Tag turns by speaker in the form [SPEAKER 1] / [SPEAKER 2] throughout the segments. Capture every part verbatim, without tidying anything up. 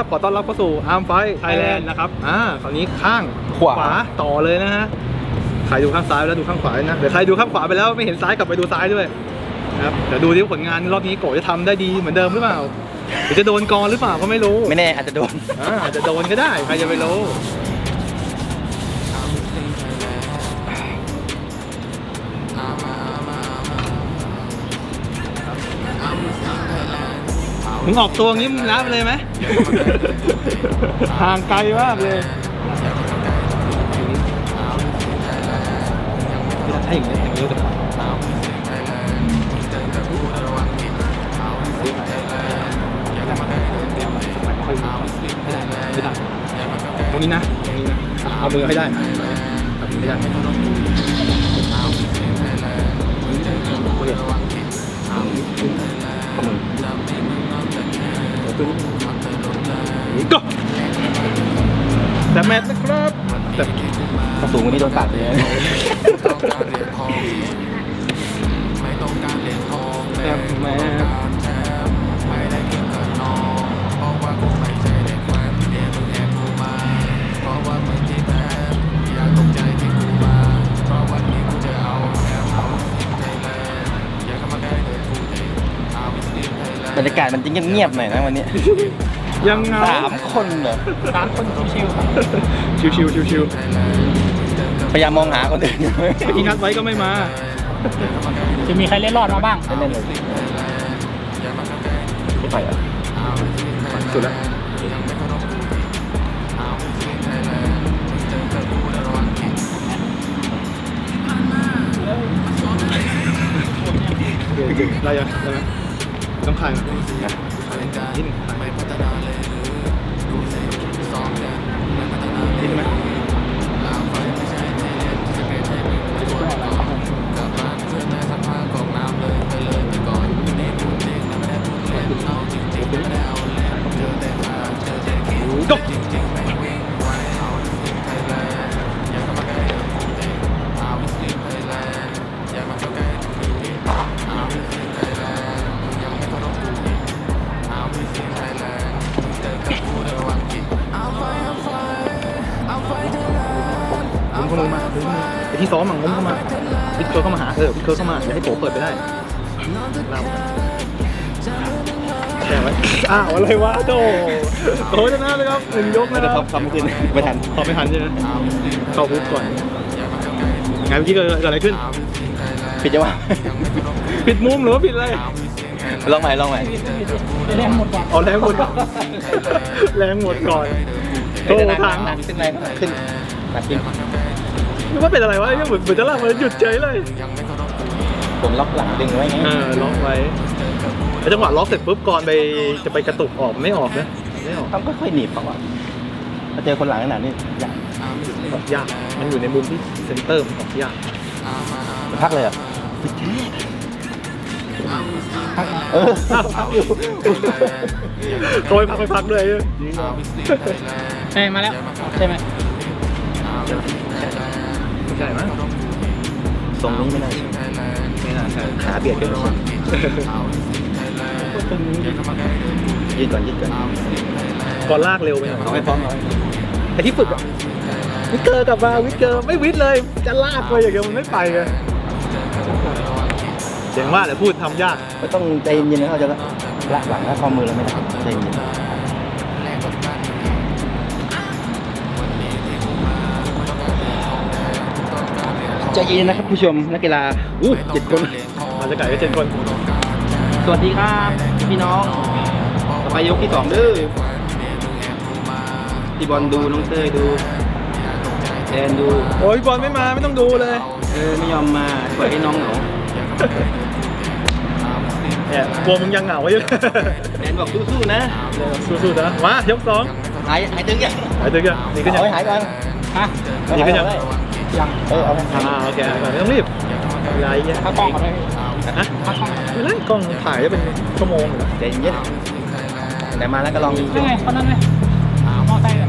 [SPEAKER 1] ขอต้อนรับเข้าสู่อาร์มไฟท์ไทยแลนด์นะครับอ่าคราวนี้ข้างขวาต่อเลยนะฮะใครดูข้างซ้ายแล้วดูข้างขวานะเดี๋ยวใครดูข้างขวาไปแล้วไม่เห็นซ้ายกลับไปดูซ้ายด้วยนะครับเดี๋ยวดูที่ผลงานรอบนี้โกจะทำได้ดีเหมือนเดิมหรือเปล่าหรือจะโดนกรหรือเปล่าก็ไม่รู้
[SPEAKER 2] ไม่แน่อาจจะโดน
[SPEAKER 1] อ่าอาจจะโดนก็ได้ใครจะไปรู้มึงออกตัวงี้มึงรับเลยไหม ห่างไกลมากเลยถ้าอย่างนี้อย่างนี้ก็ตรงนี้นะตรงนี้นะเอามือให้ได้ไม่ได้ก็แต่แมทนะครับแต่
[SPEAKER 2] สูงกว่านี้โดนตัดเลย
[SPEAKER 1] แต่แมท
[SPEAKER 2] บรรยากาศมันจะเงียบๆหน่อยนะวันนี้
[SPEAKER 1] ยังเงา
[SPEAKER 2] สามคนเหรอ
[SPEAKER 1] สามคนชิวชิวชิวชิวชิว
[SPEAKER 2] พยายามมองหาคนอื่น
[SPEAKER 1] ที่นัดไว้ก็ไม่มา
[SPEAKER 3] จะมีใครเล่นรอดมาบ้าง
[SPEAKER 2] เล่นเลยไม่ไปอ่ะ
[SPEAKER 1] สุดแล้วได้ยังได้ไหมต้องขายนิดนึงนิดไหมก็งเข้ามาไอ้ที่ซ้อมมั่งงมเข้ามาพิทเคิร์เข้ามาหาเออพิทเคิร์เข้ามาอย่าให้โผล่เปิดไปได้เราแข่งไว้อ้าวอะไรวะโตโตชนะเลยครับหนึ่งยกนะครับ
[SPEAKER 2] ทำขึ้นไม่ทัน
[SPEAKER 1] ทำไม่ทันใช่ไหมเข้าปุ๊บก่อนไงเมื่อกี้เกิดอะไรขึ้น
[SPEAKER 2] ผิดจังวะ
[SPEAKER 1] ผิดมุมหรือว่าผิดอะไร
[SPEAKER 2] ลองใหม่ลองใหม่
[SPEAKER 3] แรงหมดก่อน
[SPEAKER 1] เอาแรงหมดแรงหมดก่อนโตทาง
[SPEAKER 2] ขึ้นแรงขึ้นหนักขึ้น
[SPEAKER 1] นึกว่าเป็นอะไรวะเหมือนเหมือนจะลากมันหยุดเฉยเลย
[SPEAKER 2] ผมล็อกหลังดึงไว้ไง
[SPEAKER 1] เออล็อกไว้แล้วจังหวะล็อกเสร็จปุ๊บก่อนไปจะไปกระตุกออกไม่ออกนะไม่ออก
[SPEAKER 2] เขาก็ค่อยหนีบเขาอ่ะถ้าเจอคนหลังขนาดนี้ยาก
[SPEAKER 1] ยากมันอยู่ในมุมที่เซนเตอร์มันออกยาก
[SPEAKER 2] พักเลยอ่ะ
[SPEAKER 1] เออพักอยู่เขาไปพักไปพักด้วย
[SPEAKER 3] เฮ้ยมาแล้วใช่ไหม
[SPEAKER 1] ใช่ไหม
[SPEAKER 2] ทรงนี้ไม่น่าใช่
[SPEAKER 1] ไม่น่าใช่
[SPEAKER 2] ขาเบียดกันยืดก่อนยืดก่อน
[SPEAKER 1] ก่อนลากเร็วไปหน่อย
[SPEAKER 2] เอาให้พร้อมเอา
[SPEAKER 1] ไอ้ที่ฝึกอ่ะวิกเกอร์กลับมาวิกเกอร์ไม่วิดเลยจะลากไปอย่างเดียวมันไม่ไปไงเสียงว่าแต่พูดทำยาก
[SPEAKER 2] ไม่ต้องใจเย็นๆนะเขาจะละหลังแล้วข้อมือเราไม่ได้ใจเย็นใจเย็นนะครับผู้ชมนักกีฬา
[SPEAKER 1] อู้เจ็ดคนมาจะไก่ก็เจ็ดคน
[SPEAKER 2] สวัสดีครับพี่น้องต่อไปยกที่สองเด้อพี่บอลดูน้องเต้ยดูแอนดู
[SPEAKER 1] โอ้ยบอลไม่มาไม่ต้องดูเลย
[SPEAKER 2] เออไม่ยอมมาปล่อยให้น้องเหงา
[SPEAKER 1] เนี่ยกลัวมึงยังเหงาอยู่
[SPEAKER 2] แอนบอกสู้ๆนะ
[SPEAKER 1] สู้ๆนะมายกสอง
[SPEAKER 2] หายหายตึงยัง
[SPEAKER 1] หายตึงยังนี่ก็ยัง
[SPEAKER 2] หายก่อน
[SPEAKER 1] ฮะนี่ก็ยัง
[SPEAKER 3] ยัง
[SPEAKER 1] เออเอาอ่าโอเคก่อนไม่ต้องรีบไรเงี้ย
[SPEAKER 3] ถ้ากล้องมาได้
[SPEAKER 1] ฮะถ้ากล้องไม่เล่นกล้องถ่ายจะเป็นชั่วโมง
[SPEAKER 2] ใจเย็นแต่มาแล้วก็ลอง
[SPEAKER 3] เป็นไงคนนั้นไหมมอไซค์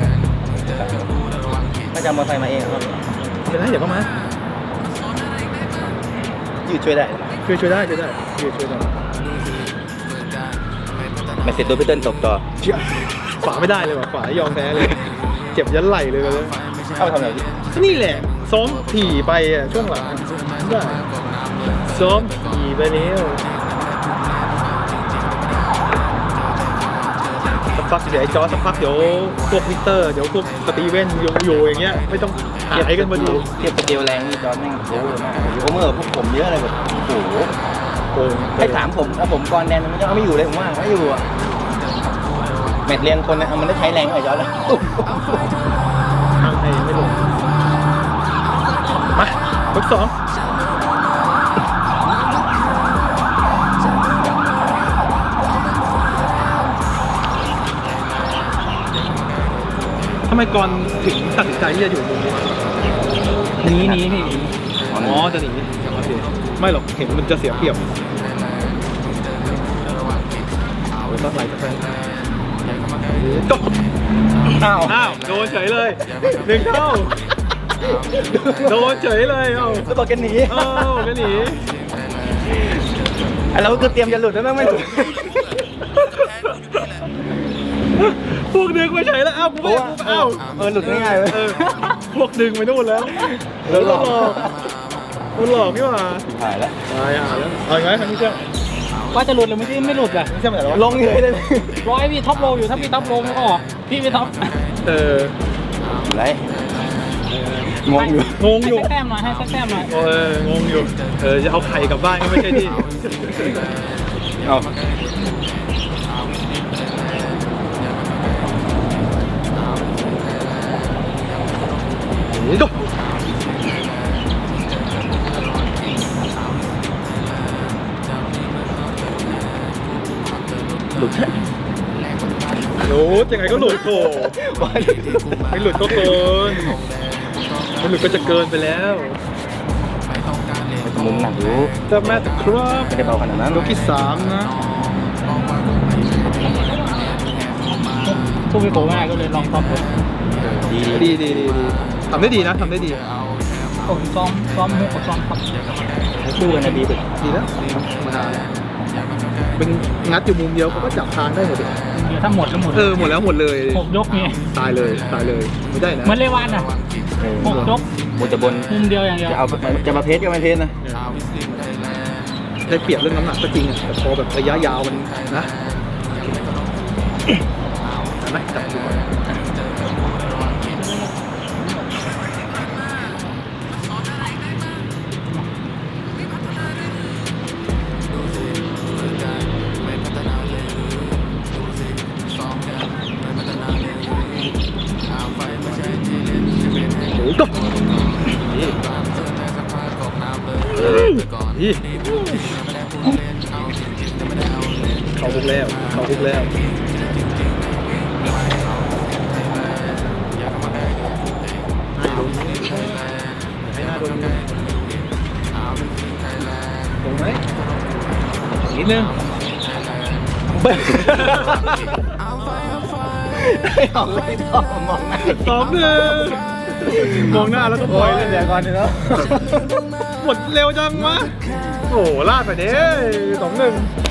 [SPEAKER 2] ก็จะมอไซค์มาเองครับ
[SPEAKER 1] เป็นไรเดี๋ยวก็มา
[SPEAKER 2] ยืดช่วยได้
[SPEAKER 1] ช่วยช่วยได้ช่วยได้ยืดช่วยได้
[SPEAKER 2] ไม่เสร็จตัวพี่เติ้ลตบต่อ
[SPEAKER 1] ขวาไม่ได้เลยว่ะขวายอมแพ้เลยเจ็บยันไหลเลยเลย
[SPEAKER 2] เข้าไปทำอะไรพี่
[SPEAKER 1] นี่แหละซ้อมถี่ไปอ่ะช่วงหลังได้ซ้อมถี่ไปแล้วสักพักเดี๋ยวไอ้จอสักพักเดี๋ยวพวกวิกเตอร์เดี๋ยวพวกสตีเวนโยโย่อย่างเงี้ยไม่ต้องหายกันมาดู
[SPEAKER 2] เทียบกับเกลแรงนี่จอร์นแม่งโอ้โหมากโอเมอร์พวกผมเยอะเลยแบบโอ้โห
[SPEAKER 1] โอ้ย
[SPEAKER 2] ให้ถามผมถ้าผมกรแดนมันจะเอาไม่อยู่เลยผมว่าไม่อยู่อ่ะแมตช์เรียงคนนะมันได้ใช้แรงหน่อยจอร์นเลย
[SPEAKER 1] ทางไทยยังไม่ลงมายกสองทำไมก่อนถึงตัดสินใจที่จะอยู่มุมนี้วะ
[SPEAKER 3] หนีหนีพี่
[SPEAKER 1] อ๋อจะหนีโอเคไม่หรอกเห็นมันจะเสียเปรียบเอาไปสักไหลสักแฟนก็อ้าวอ้าวโดนเฉยเลยหนึ่งเท่าโดนเฉยเลยเอ้า
[SPEAKER 2] แล้วบอกกันหนี
[SPEAKER 1] เอ้าก็หนี
[SPEAKER 2] เราก็เตรียมจะหลุดแล้วแม่งไม่หลุด
[SPEAKER 1] พวกดึงไปเฉยแล้วเอ้ากูไม่กูเอ้า
[SPEAKER 2] เออหลุดง่ายๆเลย
[SPEAKER 1] เออพวกดึงไปนู่นแล้วแล้วหลอกมันหลอกนี่หว่า
[SPEAKER 2] หายแล้ว
[SPEAKER 1] ตายอ่ะแล้วเอาอย่างไรคันนี้เชื่อ
[SPEAKER 3] ว่าจะหลุดหรือไม่ไม่หลุดอ่ะ
[SPEAKER 1] ไม่เชื่อไหนหรอ
[SPEAKER 2] ลงเลยเลย
[SPEAKER 3] ร้อยพี่ท็อปโลอยู่ถ้าพี่ท็อปโลไม่ออกพี่ไม่ท็อป
[SPEAKER 1] เออ
[SPEAKER 2] ไรงงอยู่
[SPEAKER 1] งงอยู่
[SPEAKER 3] ให้สักแต้มหน่อยให้สักแต้มหน่อย
[SPEAKER 1] โอ้ยงงอยู่เออจะเอาไข่กลับบ้านก็ไม่ใช่ที่
[SPEAKER 2] เอา
[SPEAKER 1] นี่ก็หลุดหลุดยังไงก็หลุดโถไม่หลุดก็เกินไม่หลุดก็จะเกินไปแล้ว
[SPEAKER 2] มุมหนักอยู่
[SPEAKER 1] จะแม่แต่ครับ
[SPEAKER 2] ไม่ได้เบาขนาดนั้น
[SPEAKER 1] ยกที่สามนะ
[SPEAKER 3] สู้พี่โกง่ายก็เลยลองท็อปเลย
[SPEAKER 2] ดี
[SPEAKER 1] ดีดีดีดีทำได้ดีนะทำได้ดี
[SPEAKER 3] ผมซ้อมซ้อมมุกกับซ้อมท็อป
[SPEAKER 2] คู่กันนะดีสุด
[SPEAKER 1] ดีแล้วธรรมดาเป็นงัดอยู่มุมเดียวเขาก็จับทางได้หมดเลย
[SPEAKER 3] เดี๋ยวถ้าหมดก็หมด
[SPEAKER 1] เออหมดแล้วหมดเลย
[SPEAKER 3] หกยกนี่
[SPEAKER 1] ตายเลยตายเลยไม่ได้นะ
[SPEAKER 3] เหมือนเลวันอ่ะหกยก
[SPEAKER 2] มุมจะบน
[SPEAKER 3] มุมเดียวอย่างเดียว
[SPEAKER 2] จะเอาจะมาเพชรก็ไม่เพชรนะ
[SPEAKER 1] ได้เปรียบเรื่องน้ำหนักก็จริงอะแต่พอแบบระยะยาวมันนะได้ไหมจับดูก่อนโอ้ยก็นี่นี่เขาคุกแล้วเขาคุกแล้วให้หน้าโดนตรงไหมนิดนึง
[SPEAKER 2] ไม่ออกไม่ออกมองหน้า
[SPEAKER 1] สองหนึ่งมองหน้าแล้วก็ปล่อยเลย
[SPEAKER 2] เดี๋ยวก่อนเดี๋ยว
[SPEAKER 1] หมดเร็วจังวะโอ้ลาดไปเด้สองหนึ่ง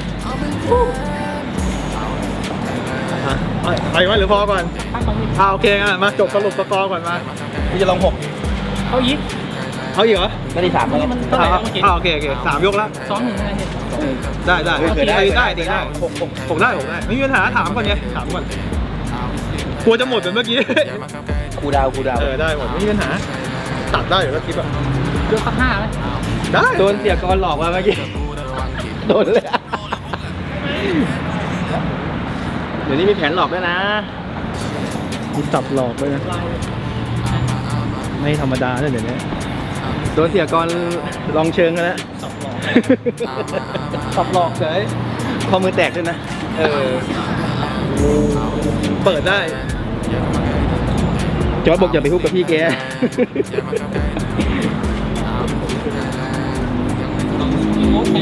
[SPEAKER 1] ไปไหมหรือพอก่อน
[SPEAKER 3] ข้างตรงนี้
[SPEAKER 1] อ่าโอเคงั้นมาจบสรุปสกอร์ก่อนมา
[SPEAKER 2] พี่จะลงหก
[SPEAKER 3] เขายิบ
[SPEAKER 1] เอาอีกเหรอ
[SPEAKER 2] ไม่ได้ถามเลย
[SPEAKER 3] มันเท่าไหร่
[SPEAKER 1] อ่า
[SPEAKER 3] แล้วเมื่อกี้
[SPEAKER 1] อ่าโอเคโอเคสามยกแล้ว
[SPEAKER 3] สองหนึ่งอะไรเนี่ย
[SPEAKER 1] ได้ได้
[SPEAKER 2] เกิดได้
[SPEAKER 1] ได้ได้ได้
[SPEAKER 2] หกหก
[SPEAKER 1] ผมได้ผมได้ไม่มีปัญหาถามก่อนไงถามก่อนกลัวจะหมดเหมือนเมื่อกี้
[SPEAKER 2] คูดาวคูดาว
[SPEAKER 1] เออได้หมดไม่มีปัญหาตัดได้อยู่แล้วคลิปอ่ะ
[SPEAKER 3] ยกสักห้าไหม
[SPEAKER 1] ได้
[SPEAKER 2] โดนเสียกรหลอกมาเมื่อกี้โดนเลยเดี๋ยวนี้มีแผนหลอกด้วยนะ
[SPEAKER 1] มีตับหลอกด้วยนะไม่ธรรมดาเลยเดี๋ยวนี้
[SPEAKER 2] โดนเสียกรลองเชิงกันแล้ว
[SPEAKER 1] ตับหลอกเฉย
[SPEAKER 2] ข้อมือแตกด้วยนะ
[SPEAKER 1] เออเปิดได้
[SPEAKER 2] จอร์จบอกอย่าไปฮุบกับพี่แก
[SPEAKER 3] งดไป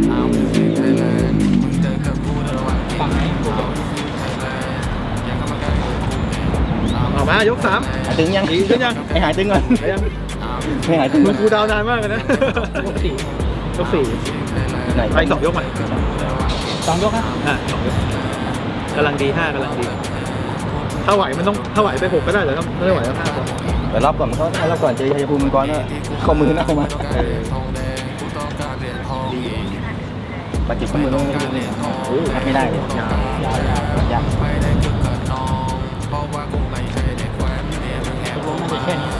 [SPEAKER 3] ฝั่งไหน
[SPEAKER 1] ออกมายกสาม
[SPEAKER 2] หายตึงยัง
[SPEAKER 1] ดีขึ้นยัง
[SPEAKER 2] ให้หายตึงก่อน
[SPEAKER 1] ไปยัง
[SPEAKER 2] ให้หายตึง
[SPEAKER 1] มึ
[SPEAKER 2] ก่อง น
[SPEAKER 1] กูดาวนานมากเลยนะ
[SPEAKER 3] ยกสี่
[SPEAKER 1] ยกสี่
[SPEAKER 2] ไหน
[SPEAKER 1] ไปสองยกใหม่
[SPEAKER 3] สองยกนะ
[SPEAKER 1] อ่ะสองยกกำลังดีห้ากำลังดีถ้าไหวมันต้องถ้าไหวไปหกก็ได้แต่ถ้าไม่ไหวก็ห้าพอ
[SPEAKER 2] แต่รอบก่อนมันก็รอบก่อนเจอชัยภูมิมังกรก็ข้อมือหน้าเข้ามา
[SPEAKER 1] เออ
[SPEAKER 2] บาดเจ็บข้อมือต้องโอ้ไม่ได้เลยยาวยาวยาว
[SPEAKER 3] ตกลงมันจะแค่นี้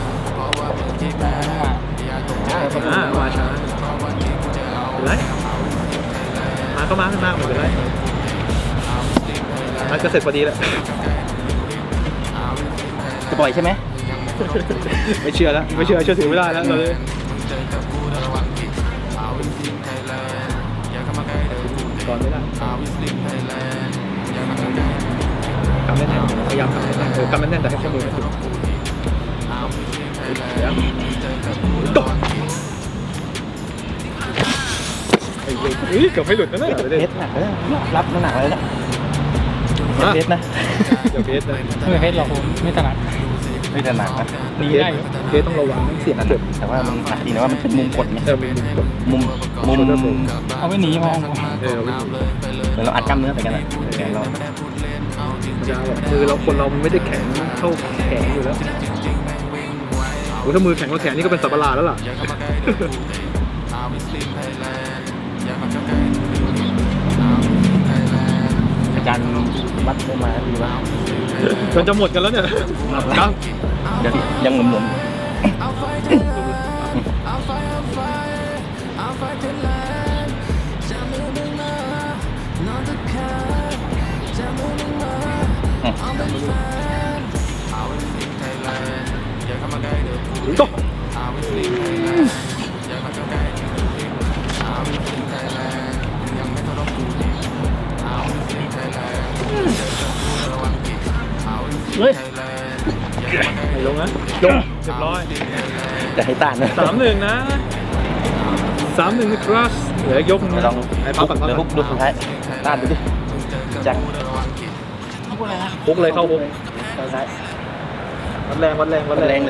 [SPEAKER 1] อ่ามาช้าเป็นไรมาก็มาขึ้นมาหมดเป็นไรมันก็เสร็จพอดีแล้ว
[SPEAKER 2] จะปล่อยใช่ไหม
[SPEAKER 1] ไม่เชื่อแล้วไม่เชื่อเชื่อถือไม่ได้แล้วเราเลยตอนไม่ได้กำแน่นๆพยายามกำแน่นๆเออกำแน่นๆแต่ให้ข้อมือไม่ถึงเดี๋ยวตกไอ้เฮ้ยเกือบไม่หลุดนะเนี่ย
[SPEAKER 2] เพชรหนักเลยรับน้ำหนักเลยนะเพชรนะ
[SPEAKER 1] เดี๋ยวเพชรนะ
[SPEAKER 3] ไม่เพชรหรอกผมไม่ถนัด
[SPEAKER 2] ไม่ถนัดนะ
[SPEAKER 3] หนีได้อยู่
[SPEAKER 1] เพชรต้องระวังเสี่ยงนะเด็ก
[SPEAKER 2] แต่ว่ามันหนักดีนะว่ามันเป็นมุมกดไง
[SPEAKER 1] เออมีมุมกด
[SPEAKER 2] มุมมุม
[SPEAKER 3] เอาไม่หนีมอง
[SPEAKER 1] เออไม่
[SPEAKER 2] เหมือนเราอัดกล้ามเนื้อไปกันอะแขนเรา
[SPEAKER 1] ยาวอะคือเราคนเราไม่ได้แข็งเท่าแขนอยู่แล้วโอ้ถ้ามือแข็งกว่าแขนนี่ก็เป็นสับปะรดแล้วล่ะ
[SPEAKER 2] อาจารย์มัดมาดีมาก
[SPEAKER 1] มันจะหมดกันแล้วเนี่ยครับ
[SPEAKER 2] เดี๋ยวยังหนุน
[SPEAKER 1] โต
[SPEAKER 3] เฮ้ย
[SPEAKER 1] ไม่ลงนะลงเรียบร้อย
[SPEAKER 2] จะให้ต้านนะ
[SPEAKER 1] สามหนึ่งนะสามหนึ่งนะครับเหลือยก
[SPEAKER 2] ลอง
[SPEAKER 1] ไอ้พับก่อนพับ
[SPEAKER 2] เดี๋ยว
[SPEAKER 1] ก่
[SPEAKER 2] ฮุ
[SPEAKER 1] อน
[SPEAKER 2] กดูสุดท้ายต้านดูดิจัง
[SPEAKER 3] พูดอะไรนะ
[SPEAKER 1] ฮุกเลยเข้าฮุก
[SPEAKER 2] สุดท้าย
[SPEAKER 1] วัดแรงวัดแรงวัด
[SPEAKER 2] แร
[SPEAKER 1] แรง
[SPEAKER 2] งเลย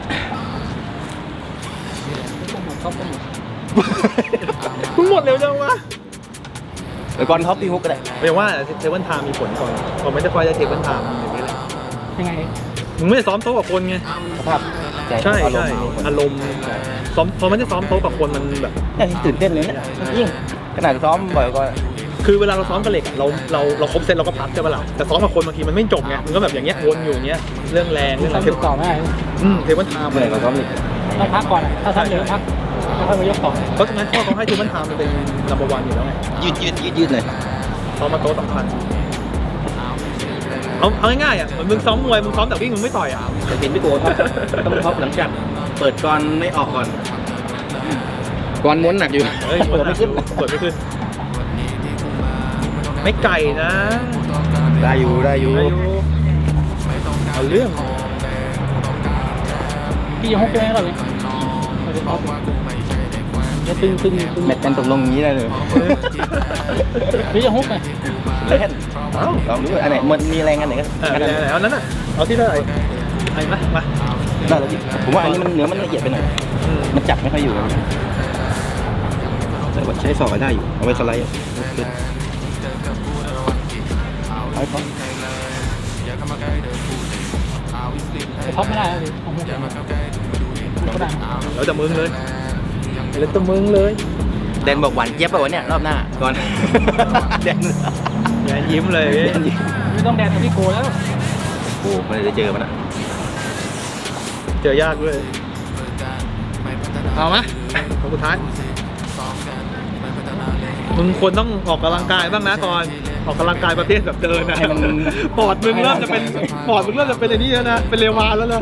[SPEAKER 3] เขาก็หมด
[SPEAKER 1] มึงหมดเร็วจังวะ
[SPEAKER 2] เดี๋ยวก่อนท็อปตีฮุกก็ได้
[SPEAKER 1] เรียกว่าเทเบิลไทม์มีผลก่อนพอไม่ได้ค่อยได้เทเบิลไทม์อย่างนี้แหละ
[SPEAKER 3] ยังไง
[SPEAKER 1] มึงไม่ได้ซ้อมโต๊ะกับคนไง
[SPEAKER 2] สภาพใจ
[SPEAKER 1] ใช่
[SPEAKER 2] อารม
[SPEAKER 1] ใช่
[SPEAKER 2] ณ์
[SPEAKER 1] อารมณ์ซ้อมพอไม่ได้ซ้อมโต๊ะกับคนมันแบบ
[SPEAKER 2] เนี่ยตื่นเต้นเลยเนี่ยยิ่งขนาดซ้อมบ่อยก็
[SPEAKER 1] คือเวลาเราซ้อมกับเหล็กอะเราเราเราครบเซตเราก็พักใช่ปะล่ะแต่ซ้อมกับคนบางทีมันไม่จบไงมันก็แบบอย่างเงี้ยวนอยู่อย่างเงี้ยเรื่องแรงเรื่องอะไร
[SPEAKER 3] ทำอยู่ต่อไม่ได้
[SPEAKER 1] อืมเทเบิลไทม์
[SPEAKER 2] เหนื่อยกว่าซ้อมอีก
[SPEAKER 3] ต้องพักก่อนถ้าทำเดี๋ยวพักแล้วค่อยมายกต่อ
[SPEAKER 1] เพราะฉะนั้นข้อเขาให้เทเบิลไทม์มันเป็นนัมเบอร์วันอยู่แล้วไง
[SPEAKER 2] ยืดยืดยืดยืดเลย
[SPEAKER 1] ซ้อมมาโต๊ะสำคัญเอาเอาง่ายๆอ่ะเหมือนมึงซ้อมมวยมึงซ้อมแต่วิ่งมึงไม่ต่อยอ่ะ
[SPEAKER 2] แต่เป็นพี่โก้ท็อปต้องท็อปหลังจากเปิดก่อนไม่ออกก่อนก่อนม้วนหนักอยู่
[SPEAKER 1] เฮ้ย
[SPEAKER 2] เปิดไม่ขึ้น
[SPEAKER 1] เปิดไม่ขึ้นไม่ไก่นะ
[SPEAKER 2] ได้อยู่ได้อยู่
[SPEAKER 1] อายุเอาเรื่อง
[SPEAKER 3] พี่ยังฮุกได้ไหมก่อนเลยจะตึงตึงตึง
[SPEAKER 2] แมตช์กันตกลงอย่างนี้ได้เลย
[SPEAKER 3] พี่จะฮุกไหม
[SPEAKER 2] เล่นลองดูอันไหนมันมีแรงอันไหนก็
[SPEAKER 1] เออ
[SPEAKER 2] อันนั้น
[SPEAKER 1] ไหนๆเอานั้นน่ะเอาที่เท่าไหร่ไอ้มามา
[SPEAKER 2] น่าจะผมว่าอันนี้มันเนื้อมันละเอียดไปหน่อย
[SPEAKER 1] อืม
[SPEAKER 2] มันจับไม่ค่อยอยู่แต่ว่าใช้สอบได้อยู่เอาไว้สไลด์เอาไป
[SPEAKER 3] จะท็อปไม่ได้เลยเอาฮุกก็ได้
[SPEAKER 1] แล้วแต่มึงเลยแล้วแต่มึงเลย
[SPEAKER 2] แดนบอกหวานเจี๊ยบไปวันเนี้ยรอบหน้าก่อนแดน
[SPEAKER 1] อย่ายิ้มเลย
[SPEAKER 2] แดนยิ้ม
[SPEAKER 3] ไม่ต้องแดนกับพี่โกแล้ว
[SPEAKER 2] โอ้ไม่ได้เจอมันอะ
[SPEAKER 1] เจอยากด้วยเอามาคนสุดท้ายมึงควรต้องออกกำลังกายบ้างนะก่อนออกกำลังกายประเภทแบบเดินนะ
[SPEAKER 2] ให้มัน
[SPEAKER 1] ปอดมึงเริ่มจะเป็นปอดมึงเริ่มจะเป็นไอ้นี่แล้วนะเป็นเรวานแล้วนะ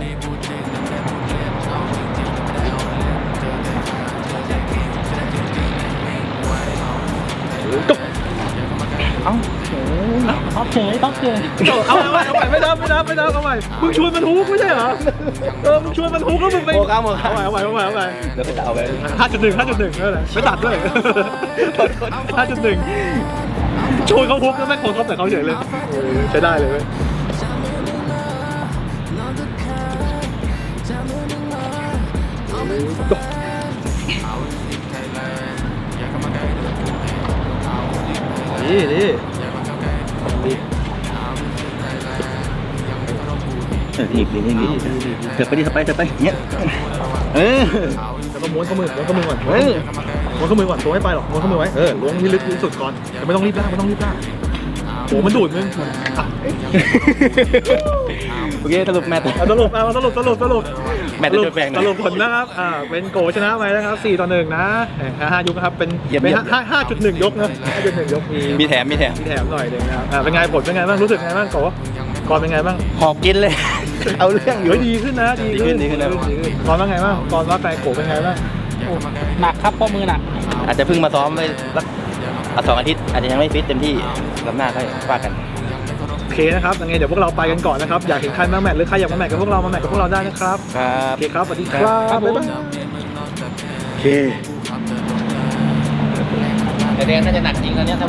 [SPEAKER 2] เอ้า
[SPEAKER 3] ท็อปเฉยท็อปเฉย
[SPEAKER 1] เอาเอาเอาใหม่ไม่นับไม่นับไม่นับเอาใหม่มึงชวนมันฮุกไม่ใช่เหรอเออมึงชวนมันฮุกแล้วมึงไป
[SPEAKER 2] โมกาโมกา
[SPEAKER 1] เอาใหม่เอาใหม่เอาใหม่เอาใหม่
[SPEAKER 2] เดี๋ยวไปจะเอาไป
[SPEAKER 1] ห้าจุดหนึ่งห้าจุดหนึ่งนั่นแหละไม่ตัดด้วยห้าจุดหนึ่งชวนเขาฮุกแล้วไม่โค้งเขาแต่เขาเฉยเลยโอ้ยใช้ได้เลยเว้ยนี่นี่ดี
[SPEAKER 2] เออทีบทีบทีบเถิบไปดิสไปเถิบไปเงี้ยเออ
[SPEAKER 1] แล้วก็ม้วนข้อมือม้วนข้อมือก่อนเออม้วนข้อมือก่อนตัวไม่ไปหรอกม้วนข้อมือไว้เออล้วงที่ลึกที่สุดก่อนแต่ไม่ต้องรีบลากไม่ต้องรีบลากโอ้มันดูดมึงอ่ะ
[SPEAKER 2] โอเคสรุปแมตช์
[SPEAKER 1] เอาสรุปเอาสรุปสรุปสรุป
[SPEAKER 2] แมตช์จะจบแบ่งหน่
[SPEAKER 1] ส
[SPEAKER 2] อย
[SPEAKER 1] รุปผลนะครับอ่าเป็นโกชนะไปนะครับสี่ต่อหนึ่งนะเอ่อห้ายกนะครับเป็น
[SPEAKER 2] เยี่ยม
[SPEAKER 1] เป็น
[SPEAKER 2] เยี่ยม
[SPEAKER 1] ห้าห้าจุดหนึ่งยกนะห้าจุดหนึ่งยกมี
[SPEAKER 2] มีแถมมีแถม
[SPEAKER 1] มีแถมหน่อยหนึ่งนะครับอ่าเป็นไงผลเป็นไงบ้างรู้สึกไงบ้างโกก่อนเป็นไงบ้าง
[SPEAKER 2] หอบกินเลย เอาเรื่องอยู่
[SPEAKER 1] เฮ้ยดีขึ้นนะดีขึ้น
[SPEAKER 2] ดีขึ้นดีขึ้น
[SPEAKER 1] ดีขึ้นก่อนว่าไงบ้างก่อนว่าแฟนโกเป็นไงบ้าง
[SPEAKER 3] หนักครับเพราะมือหนัก
[SPEAKER 2] อาจจะเพิ่งมาซ้อมไปสักอ่ะสองอาทิตย์อาจจะยังไม่ฟิตเต็มที่ลำหน้าค่อยว่ากัน
[SPEAKER 1] โอเคนะครับยังไงเดี๋ยวพวกเราไปกันก่อนนะครับอยากเห็นใครมาแมทหรือใครอยากมาแมทกับพวกเรามาแมทกับพวกเราได้นะครับ
[SPEAKER 2] ครับ
[SPEAKER 1] โอเคครับสวัสดีครับบ๊ายบาย
[SPEAKER 2] โอเคแต่แดงน่าจะหนักจริงตอนเนี้ย